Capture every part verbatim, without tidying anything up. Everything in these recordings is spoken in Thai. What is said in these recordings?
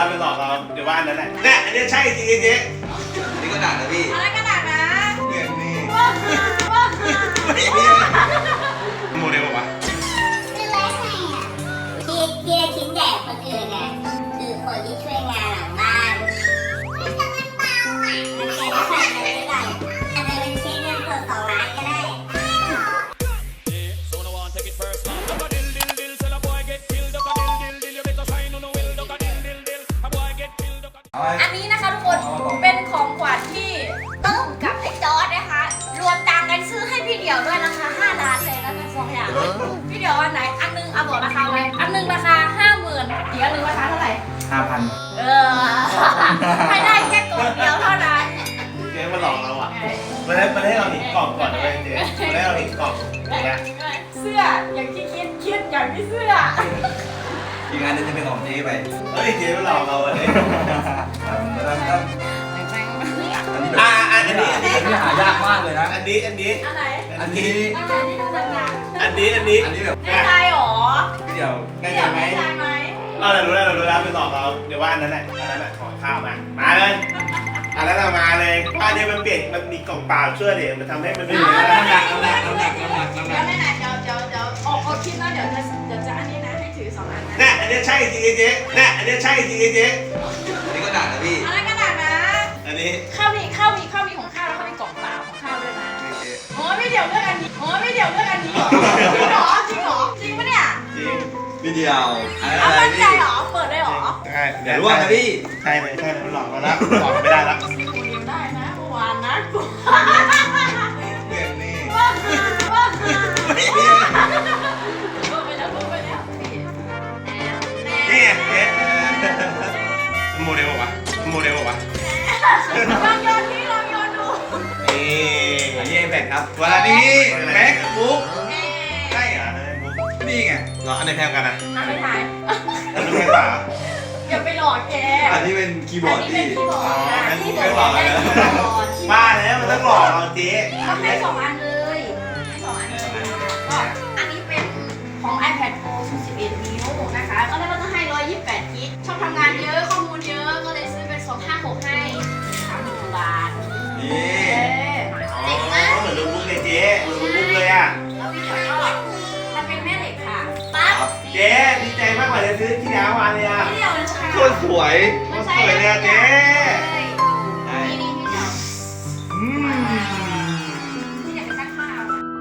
แล้วไปหลอกเราเดี๋ยวว่าอันนั้นแหละเนี่ยอันนี้ใช่จริงๆเจ๊นี่กระดาษนะพี่อะไรกระดาษนะเรื่องนี้ว้าวว้าวโมเดลบอกว่าคือไรไงอ่ะที่ที่ได้ชิ้นใหญ่คนอื่นอ่ะคือคนที่ช่วยงานหลังบ้านมันจะมันเบาอ่ะมันแค่ได้ผ่านไปได้ก่อนอาจจะเป็นเช็คเงินสดสองล้านก็ได้อันนี้นะคะทุกคนเป็นของขวัญที่ต้มกับไอ้จอร์ดนะคะรวมตังค์กันซื้อให้พี่เดี่ยวด้วยราคาห้าล้านเลยแล้วกันสองอย่างพี่เดี่ยวอันไหนอันนึงเอาบอกราคาไว้อันนึงราคาห้าหมื่นอีกอันนึงราคาเท่าไหร่ห้าพันเออให้ได้แค่กล่องเดียวเท่านั้นเจ๊มาหลอกเราอ่ะมันให้มันให้เราเห็นกล่องก่อนนะเว้ยเจ๊มันให้เราเห็นกล่องเนี่ยเสื้ออย่างที่คิดคิดอย่างที่เสื้ออีกงานนึงจะเป็นของเจ๊ไปเฮ้ยเจ๊มาหลอกเราอันนี้แล้วก็อันนี้แบบอ่าอันนี้อันนี้อันนี้หายากมากเลยนะอันนี้อันนี้อันไหนอันนี้อันไหนที่ดูหนักอันนี้อันนี้อันนี้แบบๆแน่ใจหรอพี่เดียวได้เดี่ไหยวมแน่ใจไหมเราเรารู้แล้วเรารู้แล้วไปหลอกเราเดี๋ยวว่าอันนั้นแหละอันนั้นแหละขอข้าวมามาเลยอันนั้นเรามาเลยอันนี้มันเปลี่ยนมันมีกล่องเปล่าช่วยเดี๋ยวมันทำให้มันไม่เหมือนน้ำหนักน้ำหนักน้ำหนักน้ำหนักน้ำหเดี๋นัยวกไหนๆเดี๋ยวเดี๋ยวเดี๋ยวออกออกคลิปนะเดี๋ยวจะเดี๋ยวจะอันนี้นะให้ถือสองอันนะเนี่ยอันนี้ใช่จริงๆเจ๊เนี่ยอันนี้ใช่จริงๆเจ๊อันนี้กระดาษนะพี่อะไรกระดาษนะอันนี้ข้าวมีข้าวมีข้าวมีของข้าวแล้วข้าวมีกล่องเปล่าของข้าวด้วยนะอ๋อไม่เดี๋ยวเลือกอันนี้อ๋อไม่เดี๋ยวเลือกอันนี้เหรอจริงเหรอจริงเหรอจริงปะเนี่ยจริงพี่เดียวอันนั้นเอาอะไรมั่นใจพี่เหรอเปิดได้เหรอใช่อย่าร่วงนะพี่ใช่เลยใช่เลยมันหลอกเราแล้วหลอกไม่ได้แล้วกูเดียวได้นะเมื่อวานนะกูเรื่องนี้ว่าว่าพูดไปแล้วพูดไปแล้วนี่นี่ไงเจ๊โมเดลบอกว่าโมเดลบอกว่าลองโยนนี่ลองโยนดูนี่อันนี้แบกครับวันนี้แม็กบุ๊กเอ๊ใช่ะเหรออันนี้มุกนี่ไงเนาะอันไหนแพงกันนะเอาไปถ่ายอันนี้แพงกว่าอย่าไปหลอกแกอันนี้เป็นคีย์บอร์ดอันนี้พี่เป็นคีย์บอร์ดนะอ๋อคีย์บอร์ดได้คีย์บอร์ดบ้าแล้วมันต้องหลอกเราเจ๊ต้องให้สองอันเลยให้สองอันเลยก็อันนี้เป็นของ iPad Pro สิบเอ็ด นิ้วนะคะก็แล้วก็จะให้หนึ่งร้อยยี่สิบแปดกิกชอบทำงานเยอะข้อมูลเยอะก็เลยซื้อเป็นสองห้าหกให้สามสิบบาทนี่เอ๊ะอ๋อเหมือนลูกบุ๊กเลยเจ๊เหมือนลูกบุ๊กเลยอ่ะแล้วพี่เดี๋ยวก็ทำเป็นแม่เหล็กค่ะปั๊บเจ๊ดีใจมากกว่าจะซื้อที่แล้วมาเลยอ่ะพี่เดี๋ยวนะคะโคตรสวยไม่ใช่สวยเลยอะเจ๊นี่นี่พี่เดี๋ยวอืมพี่เดี๋ยวไปซักผ้า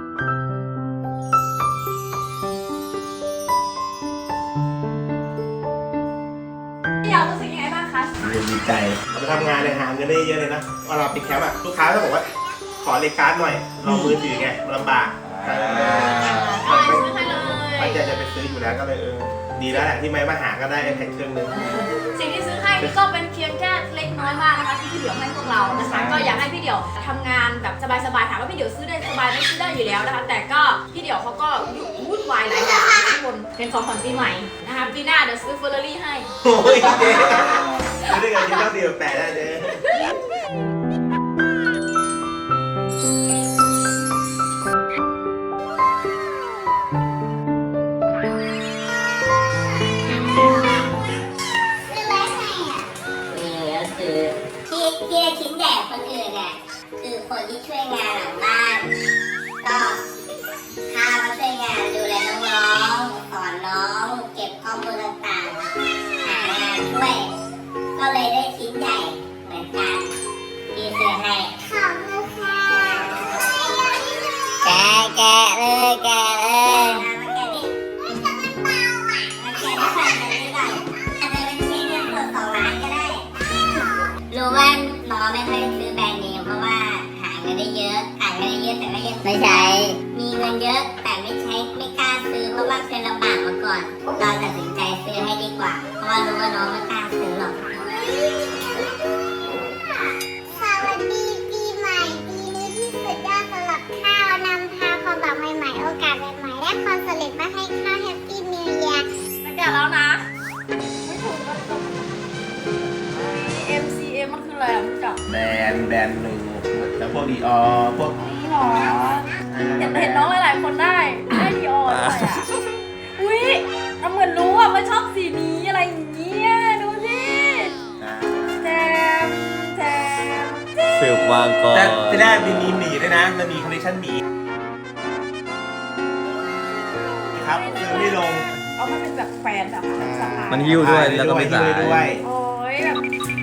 พี่เดี๋ยวรู้สึกยังไงบ้างคะดีใจเราไปทำงานเลยหาเงินได้เยอะเลยนะเวลาปิดแคมป์อะลูกค้าเขาบอกว่าขอเลขการ์ดหน่อยเรามือถือไงลำบากก็เลยซื้อให้เลยตั้งใจจะไปซื้ออยู่แล้วก็เลยเออดีแล้วแหละที่ไม่มาหาก็ได้ไอแพดเครื่องนึงสิ่งที่ซื้อให้นี่ก็เป็นเพียงแค่เล็กน้อยมากนะคะที่พี่เดี่ยวให้พวกเรานะคะก็อยากให้พี่เดี่ยวทำงานแบบสบายๆถามว่าพี่เดี่ยวซื้อได้สบายไหม่ซื้อได้อยู่แล้วนะคะแต่ก็พี่เดี่ยวเขาก็วุ่นวายหลายอย่างทุกคนเป็นของขวัญปีใหม่นะคะปีหน้าเดี๋ยวซื้อเฟอร์รารี่ให้โอ้ยเจ๊ซื้อด้วยกันที่ต้องดีแบบแปดได้เจ๊คือไรไงอ่ะนี่ก็คือที่ที่ได้ชิ้นใหญ่คนอื่นอ่ะคือคนที่ช่วยงานหลังบ้านก็พามาช่วยงานดูแลน้องๆสอนน้องเก็บข้อมูลต่างๆหางานช่วยก็เลยได้ชิ้นใหญ่เหมือนกันที่ซื้อให้ขอบคุณค่ะแกะแกะเลยแกะเลยมาแกะดิมันจะมันเบาอ่ะมันแกะได้ผ่านไปได้ก่อนอาจจะเป็นเช็คเงินสดสองล้านก็ได้รู้ว่าน้องไม่ค่อยซื้อแบรนด์เนมเพราะว่าหาเงินได้เยอะหาเงินได้เยอะแต่ก็ยังไม่ใช้มีเงินเยอะแต่ไม่ใช้ไม่กล้าซื้อเพราะว่าเคยลำบากมาก่อนเราตัดสินใจซื้อให้ดีกว่าเพราะว่ารู้ว่าน้องไม่กล้าซื้อหรอกสวัสดีปีใหม่ปีนี้ที่สุดยอดสำหรับข้าวนำพาความหวังใหม่ๆโอกาสใหม่ๆและความสำเร็จมาให้ข้าวแฮปปี้นิวเยียร์มันเดี๋ยวแล้วนะไม่ถูกก็ต้อง เอ็ม ซี เอ็ม มันคืออะไรอ่ะพี่จับแบรนด์แบรนด์หนึ่งแล้วพวกดีออพวกนี่หรอเห็นเห็นน้องหลายๆคนได้ได้ดีออนด้วยอ่ะอุ้ยทำเหมือนรู้อ่ะว่าชอบสีนี้อะไรอย่างเงี้ยดูสิได้มีมีหมีด้วยนะมันมีคอลเลคชันหมีครับซื้อไม่ลงเอามาเป็นแบบแฟนแบบสะพายมันหิ้วด้วยแล้วก็ไม่สายด้วยโอ้ยแบบ